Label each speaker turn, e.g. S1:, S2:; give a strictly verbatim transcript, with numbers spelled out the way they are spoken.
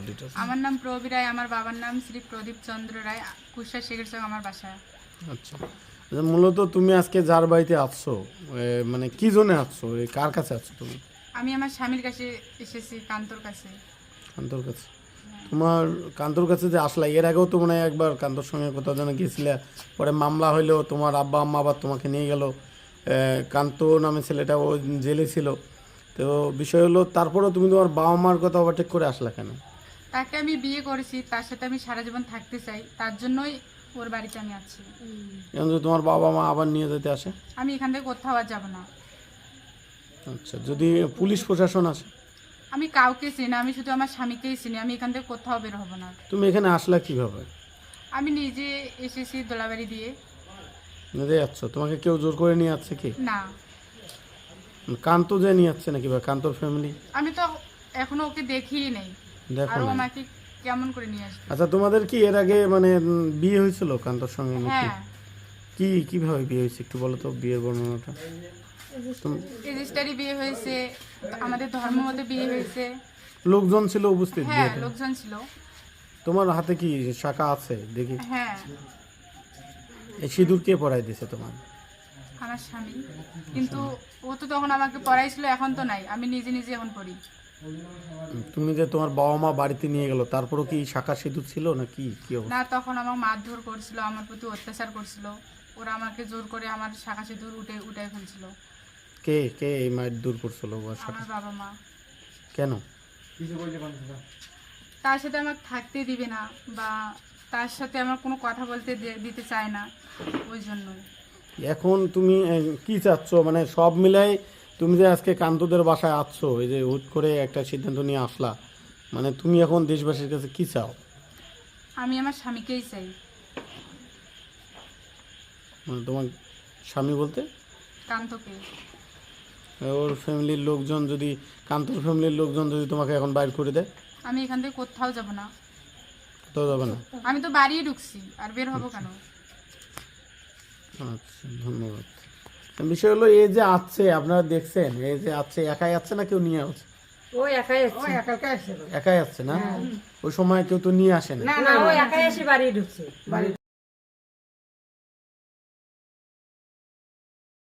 S1: Details.
S2: আমার নাম প্রবীর রায়, আমার বাবার নাম শ্রী প্রদীপ চন্দ্র রায়, কুশা শেখের সঙ্গে আমার বাসা।
S1: আচ্ছা, আচ্ছা, মূলত তুমি আজকে যার বাড়িতে আসছো এ, মানে কি জন্য আসছো, এই কার কাছে আসছো তুমি?
S2: আমি আমার স্বামীর কাছে এসেছি, কান্তর কাছে।
S1: কান্তর কাছে? তোমার কান্তর কাছে যে আসলা, এর আগেও তো মনে হয় একবার কান্তর সঙ্গে কোথাও যেন গিয়েছিলে, পরে মামলা হইলো, তোমার আব্বা আম্মা আবার তোমাকে নিয়ে গেল, কান্ত নামে ছেলেটা ও জেলে ছিল। তো বিষয় হলো, তারপরেও তুমি তোমার বাবা মার কথা ওভারটেক করে আসলা কেন?
S2: তাকে আমি বিয়ে করেছি, তার সাথে আমি সারা জীবন থাকতে চাই, তার জন্যই ওর বাড়িতে আমি আছি।
S1: এখন যদি তোমার বাবা মা আবার নিয়ে যেতে আসে?
S2: আমি এখান থেকে কোথাও আর যাবো না।
S1: আচ্ছা, যদি পুলিশ প্রশাসন আসে?
S2: আমি কাউকে চিনি না, আমি শুধু আমার স্বামীকেই চিনি, আমি এখান থেকে কোথাও বের হবো না।
S1: তুমি এখানে আসলা কিভাবে?
S2: আমি নিজে এসেছি দোলাবাড়ি দিয়ে।
S1: নিজে যাচ্ছ? তোমাকে কেউ জোর করে নিয়ে যাচ্ছে কি?
S2: না,
S1: কান্ত যে নিয়ে যাচ্ছে নাকি, বা কান্তর ফ্যামিলি?
S2: আমি তো এখনো ওকে দেখিই নেই,
S1: দেখো
S2: আর ও
S1: না।
S2: আমাকে কেমন করে নিয়ে আসবে?
S1: আচ্ছা, তোমাদের কি এর আগে মানে উম, বিয়ে হয়েছিল কান্তর সঙ্গে নাকি?
S2: হ্যাঁ,
S1: কি কিভাবে বিয়ে হয়েছে একটু বলো তো, বিয়ের বর্ণনাটা। তুম-
S2: রেজিস্টারি বিয়ে হয়েছে, আমাদের ধর্ম মতে বিয়ে হয়েছে।
S1: লোকজন ছিল উপস্থিত
S2: হ্যাঁ,
S1: বিয়েতে?
S2: লোকজন ছিল।
S1: তোমার হাতে কি শাখা আছে দেখি?
S2: হ্যাঁ,
S1: এই সিঁদুর কে পরাই দিয়েছে তোমার?
S2: আমার স্বামী। কিন্তু ও তো তখন আমাকে পড়াইছিল, এখন তো নাই, আমি নিজে নিজে এখন পড়ি।
S1: উম, তুমি যে তোমার বাবা মা বাড়িতে নিয়ে গেল, তারপরও কি শাখা সিঁদুর ছিল না কি কি অবস্থা?
S2: না, তখন আমাকে মারধর করছিল, আমার প্রতি অত্যাচার করছিল। ওরা আমাকে জোর করে আমার শাখা সিঁদুর উঠে উঠে ফেলছিল।
S1: কে কে এই মায়ের দূর করছিল বা শাখা?
S2: আমার বাবা মা।
S1: কেন?
S2: তার সাথে আমাকে থাকতে দিবে না, বা তার সাথে আমার কোনো কথা বলতে দে- দিতে চায় না, ওই জন্যই।
S1: এখন তুমি আহ, কি চাচ্ছ, মানে সব মিলাই তুমি যে আজকে কান্তদের বাসায় আসছো, এই যে হুট করে একটা সিদ্ধান্ত নিয়ে আসলা, মানে তুমি এখন দেশবাসীর কাছে কি চাও?
S2: আমি আমার স্বামীকেই চাই।
S1: মানে তোমার স্বামী বলতে
S2: কান্তকে।
S1: ওর ফ্যামিলির লোকজন যদি, কান্তর ফ্যামিলির লোকজন যদি তোমাকে এখন বাইর করে দেয়?
S2: আমি এখান থেকে কোথাও যাব না।
S1: কোথাও যাবে না?
S2: আমি তো বাড়িই ঢুকছি, আর বের হবো কেন?
S1: আচ্ছা, ধন্যবাদ। বিষয় হলো, এই যে আছে আপনারা দেখছেন, এই যে আছে, একাই আছে না কেউ নিয়ে আছে?
S3: ও একাই আসছে।
S1: একাই আসছে না? ওই সময় কেউ তো নিয়ে আসে না।
S3: না না ও একাই এসে বাড়ি ঢুকছে।